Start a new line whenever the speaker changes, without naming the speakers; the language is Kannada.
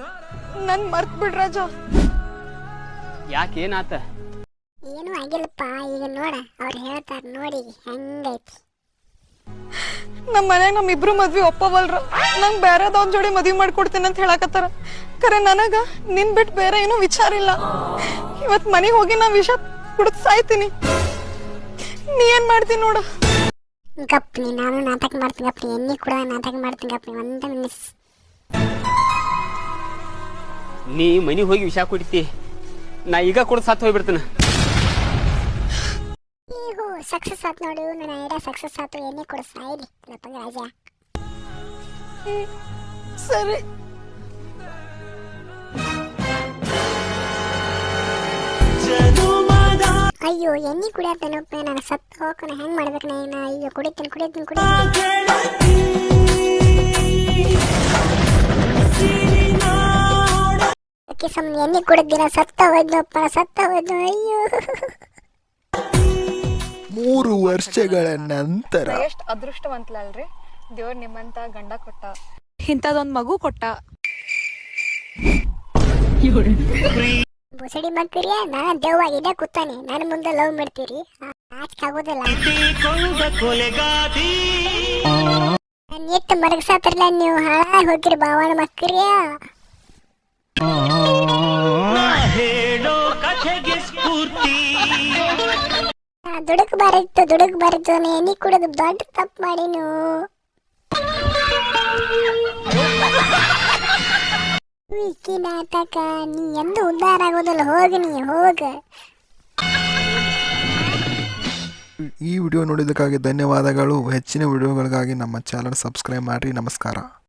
ನನ್ ಮರ್ತ್ ಬಿಡ್ ರಾಜ.
ಯಾಕೆ ಏನಾತ?
ಏನು ಆಗಿಲ್ಲಪ್ಪ. ಈಗ ನೋಡ ಅವ್ರು ಹೇಳ್ತಾರ ನೋಡಿ ಹೆಂಗೈತಿ.
ನಮ್ಮ ಮನ್ಯಾಗ ನಮ್ಮಿಬ್ರು ಮದ್ವಿ ಒಪ್ಪವಲ್ರ. ನಂಗ್ ಬೇರೆದವ್ನ ಜೋಡಿ ಮದ್ವಿ ಮಾಡ್ಕೊಡ್ತೀನಿ ಅಂತ ಹೇಳಕತ್ತಾರ. ಖರೆ ನನಗ ನಿನ್ ಬಿಟ್ಟು ಬೇರೆ ಏನೂ ವಿಚಾರ ಇಲ್ಲ. ಇವತ್ ಮನೆಗೆ ಹೋಗಿ ನಾ ವಿಷ ಕುಡಿದ್ ಸಾಯ್ತೀನಿ. ನೀ ಏನ್ ಮಾಡ್ತೀನಿ ನೋಡು.
ಗಪ್ನಿ ನಾನು ನಾಟಕ ಮಾಡ್ತೀನಿ ಗಪ್ನಿ. ಎಣ್ಣೆ ಕೂಡ ನಾಟಕ ಮಾಡ್ತೀನಿ ಗಪ್ನಿ. ಒಂದ ಮಿನಿಸ್.
ನೀ ಮನೆಗೆ ಹೋಗಿ ವಿಷ ಕುಡಿತಿ, ನಾ ಈಗ ಕೂಡ ಸತ್ತು ಹೋಗ್ಬಿಡ್ತೀನಿ.
ಈಗ ಸಕ್ಸಸ್ ಆತ್ ನೋಡು. ನನ್ನ ಐಡಿಯಾ ಸಕ್ಸಸ್ ಆತು. ಎಣ್ಣೆ ಕೂಡ ಸಾಯಿಲಿ ಲಪ್ಪಂಗ ರಾಜ.
ಸರಿ.
ಅಯ್ಯೋ ಎಣ್ಣೆ ಕುಡಿಯತ್ತೇನಪ್ಪ. ನಾನು ಸತ್ತು ಹೋಗೋಣ. ಹೆಂಗ್ ಮಾಡ್ಬೇಕು ನಾನು? ಅಯ್ಯೋ ಕುಡಿತೀನಿ. ಸುಮ್ಮನೆ ಎಣ್ಣೆ ಕುಡಿದಿನ ಸತ್ತ ಹೋದ್ನಪ್ಪ. ಅಯ್ಯೋ.
3 ವರ್ಷಗಳ ನಂತರ
ಎಷ್ಟ್ ಅದೃಷ್ಟವಂತಲಲ್ರಿ, ದೇವ್ರ ನಿಮ್ಮಂತ ಗಂಡ ಕೊಟ್ಟ, ಇಂಥದೊಂದ್ ಮಗು ಕೊಟ್ಟ.
ಬುಸಡಿ ಮಕ್ಕಳಿಯ ನಾನು ದೇವ್ವಾಗಿದ್ದೆ ಕೂತಾನೆ. ನನ್ನ ಮುಂದೆ ಲವ್ ಮಾಡ್ತೀರಿ? ಆಚೆ ಆಗೋದಿಲ್ಲ. ನನ್ನ ಎಷ್ಟು ಮರಗಸಾತ್ರಲ್ಲ ನೀವು. ಹಾಳಾಗಿ ಹೋಗಿರಿ ಬಾವಣ ಮಕ್ಕಳಿಯ. ದುಡುಕ್ ಬಾರಿತ್ತು. ಎಣ್ಣೆ ಕುಡಿದು ದೊಡ್ಡ ತಪ್ಪು ಮಾಡಿನು. ವಿಕಿ ನಾಟಕ ನೀ ಎಂದು ಉದ್ಧಾರ ಆಗೋದಿಲ್ಲ. ಹೋಗ.
ಈ ವಿಡಿಯೋ ನೋಡಿದ್ದಕ್ಕಾಗಿ ಧನ್ಯವಾದಗಳು. ಹೆಚ್ಚಿನ ವಿಡಿಯೋಗಳಿಗಾಗಿ ನಮ್ಮ ಚಾನಲ್ ಸಬ್ಸ್ಕ್ರೈಬ್ ಮಾಡಿ. ನಮಸ್ಕಾರ.